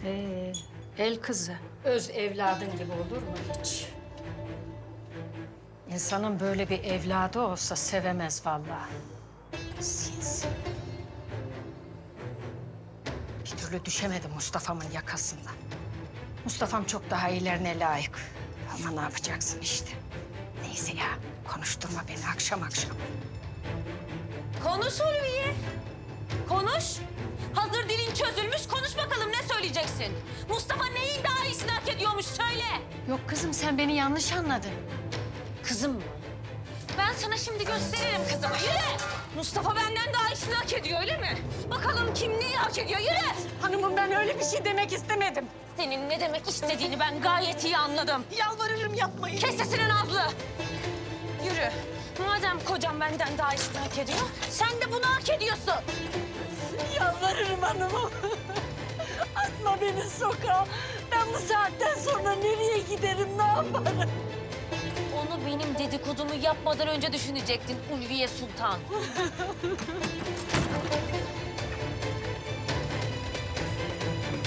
El kızı, öz evladın gibi olur mu hiç? İnsanın böyle bir evladı olsa sevemez vallahi. Sinsi. Bir türlü düşemedim Mustafa'mın yakasından. Mustafa'm çok daha iyilerine layık. Ama ne yapacaksın işte. Neyse ya, konuşturma beni akşam akşam. Konuş Ulviye. Konuş. Hazır dilin çözülmüş, konuş bakalım ne söyleyeceksin? Mustafa neyin daha iyisini hak ediyormuş söyle. Yok kızım, sen beni yanlış anladın. Kızım mı? Ben sana şimdi gösteririm kızımı. Yürü! Mustafa benden daha iyisini hak ediyor öyle mi? Bakalım kim neyi hak ediyor, yürü! Hanımım, ben öyle bir şey demek istemedim. Senin ne demek istediğini ben gayet iyi anladım. Yalvarırım yapmayın. Kes sesini Nazlı. Yürü. Madem kocam benden daha iyisini hak ediyor, sen de bunu hak ediyorsun. Yalvarırım hanımım. Atma beni sokağa. Ben bu saatten sonra nereye giderim, ne yaparım? Onu benim dedikodumu yapmadan önce düşünecektin Ulviye Sultan.